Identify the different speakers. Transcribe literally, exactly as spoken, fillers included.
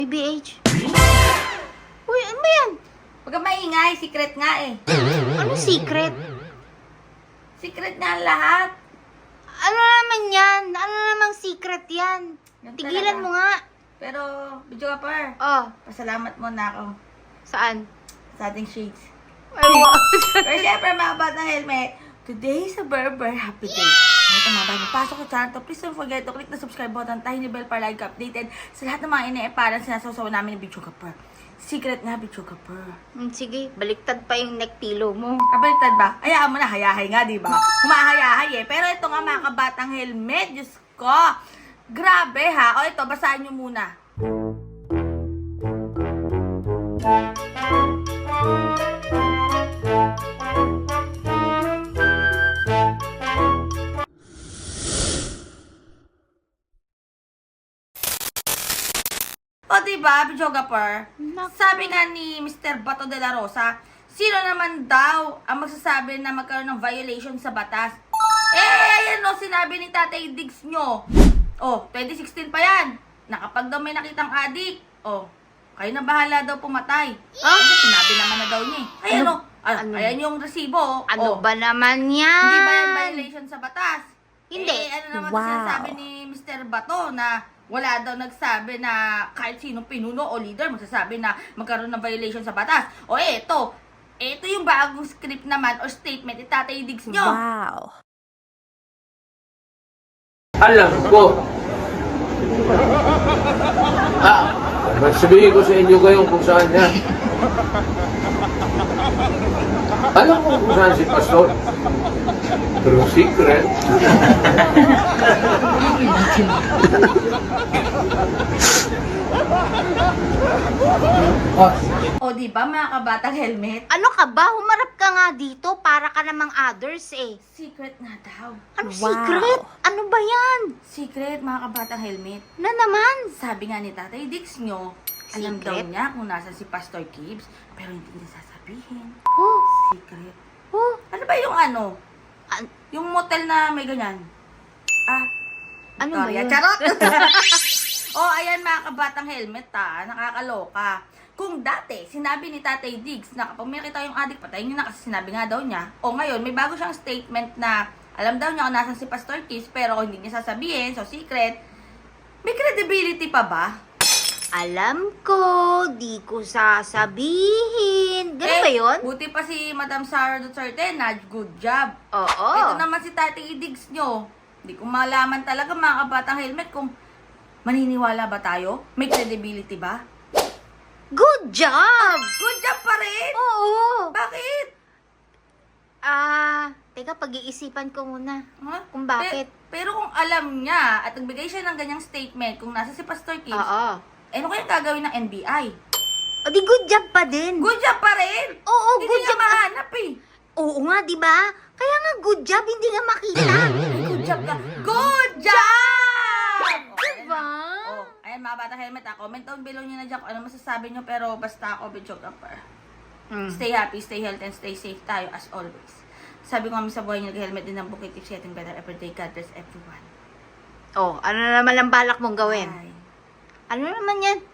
Speaker 1: B B H. Uy, ano ba yan?
Speaker 2: Huwag kang maingay, secret nga eh.
Speaker 1: Ano secret?
Speaker 2: Secret nga ang lahat.
Speaker 1: Ano naman yan? Ano namang secret yan?
Speaker 2: Yan
Speaker 1: Tigilan
Speaker 2: talaga.
Speaker 1: mo nga.
Speaker 2: Pero, video ka pa.
Speaker 1: Oh,
Speaker 2: Pasalamat mo na ako
Speaker 1: saan?
Speaker 2: sa ating shades.
Speaker 1: Ay, wow.
Speaker 2: Pero syempre mga batang helmet, today is a very very happy day. Kahit ang mga bago pasok sa channel to, please don't forget to click the subscribe button, tiny bell para like updated sa lahat ng mga ine-eparan sinasawsaw namin ng video kapar. Secret nga video kapar.
Speaker 1: Hmm, sige, baliktad pa yung neck pillow mo.
Speaker 2: Kabaliktad ba? Hayaan mo na, hayahay nga, di ba? Humahayahay eh. Pero ito nga mga kabatang helmet, Diyos ko. Grabe ha. O ito, basahin nyo muna. O diba, videographer?
Speaker 1: Naku.
Speaker 2: Sabi nga ni Mister Bato de la Rosa, sino naman daw ang magsasabi na magkaroon ng violation sa batas? Eh, ayan o, sinabi ni Tatay Diggs nyo. Oh, twenty sixteen pa yan. Nakapag daw may nakitang adik. Oh, kayo na bahala daw pumatay.
Speaker 1: Ah?
Speaker 2: Kasi sinabi naman na daw niya eh. Ayan
Speaker 1: Ano?
Speaker 2: o, ah,
Speaker 1: Ano?
Speaker 2: ayan yung resibo.
Speaker 1: Ano
Speaker 2: oh.
Speaker 1: ba naman yan?
Speaker 2: Hindi ba yan violation sa batas?
Speaker 1: Hindi.
Speaker 2: Eh, ano naman
Speaker 1: Wow.
Speaker 2: sinasabi ni Mister Bato na wala daw nagsabi na kahit sinong pinuno o leader magsasabi na magkaroon ng violation sa batas. O eh, ito. Ito yung bagong script naman or statement ni Tatay Diggs nyo.
Speaker 1: Wow.
Speaker 3: Alam ko. Ah, magsabihin ko sa inyo ngayon kung saan yan. Alam ko kung saan si Pastor. Pero secret. Ah,
Speaker 2: O di ba mga kabatang helmet?
Speaker 1: Ano ka ba? Humarap ka nga dito para ka namang others eh.
Speaker 2: Secret nga daw.
Speaker 1: Ano secret? Ano ba yan?
Speaker 2: Secret mga kabatang helmet.
Speaker 1: Na naman?
Speaker 2: Sabi nga ni Tatay Diggs nyo, alam daw
Speaker 1: Secret?
Speaker 2: niya kung nasa si Pastor Gibbs, pero hindi niya sasabihin.
Speaker 1: Oh,
Speaker 2: Secret.
Speaker 1: oh.
Speaker 2: Ano ba yung ano?
Speaker 1: An-
Speaker 2: Yung motel na may ganyan? Ah,
Speaker 1: ano ba
Speaker 2: Victoria.
Speaker 1: yun?
Speaker 2: Charot! Oh, ayan mga kabatang helmet ha, nakakaloka. Kung dati, sinabi ni Tatay Diggs na kapag may nakita yung adik, patayin niyo na kasi sinabi nga daw niya. O ngayon, may bago siyang statement na alam daw niya kung nasan si Pastor Kiss, pero hindi niya sasabihin, so secret. May credibility pa ba?
Speaker 1: Alam ko, di ko sasabihin. Ganun ba yun?
Speaker 2: Buti pa si Madam Sara Duterte na good job.
Speaker 1: Oo.
Speaker 2: Ito naman si Tatay Diggs nyo. Hindi ko malaman talaga mga kabatang helmet kung maniniwala ba tayo? May credibility ba?
Speaker 1: Good job!
Speaker 2: Good job pa rin!
Speaker 1: Oo.
Speaker 2: Bakit?
Speaker 1: Ah, teka, pag-iisipan ko muna.
Speaker 2: Ha?
Speaker 1: Kung bakit.
Speaker 2: Pe- pero kung alam niya at nagbigay siya ng ganyang statement kung nasa si Pastor Kids,
Speaker 1: Oo.
Speaker 2: eh ano kaya gagawin ng N B I?
Speaker 1: O di good job pa din.
Speaker 2: Good job pa rin!
Speaker 1: Oo,
Speaker 2: Hindi
Speaker 1: good
Speaker 2: niya
Speaker 1: job.
Speaker 2: mahanap eh.
Speaker 1: Oo nga, di ba? Kaya nga good job, hindi nga makita.
Speaker 2: Ay, good job ka. Good job!
Speaker 1: Diba?
Speaker 2: Oh, ayan mga bata helmet ha. Comment down below nyo na dyan kung ano masasabi nyo. Pero basta ako, videographer.
Speaker 1: Hmm.
Speaker 2: Stay happy, stay healthy, and stay safe tayo as always. Sabi ko kami sa buhay nyo, nag-helmet din ng bukit. Keep getting better every day. God bless everyone.
Speaker 1: Oh, ano naman ang balak mong gawin?
Speaker 2: Bye.
Speaker 1: Ano naman yan?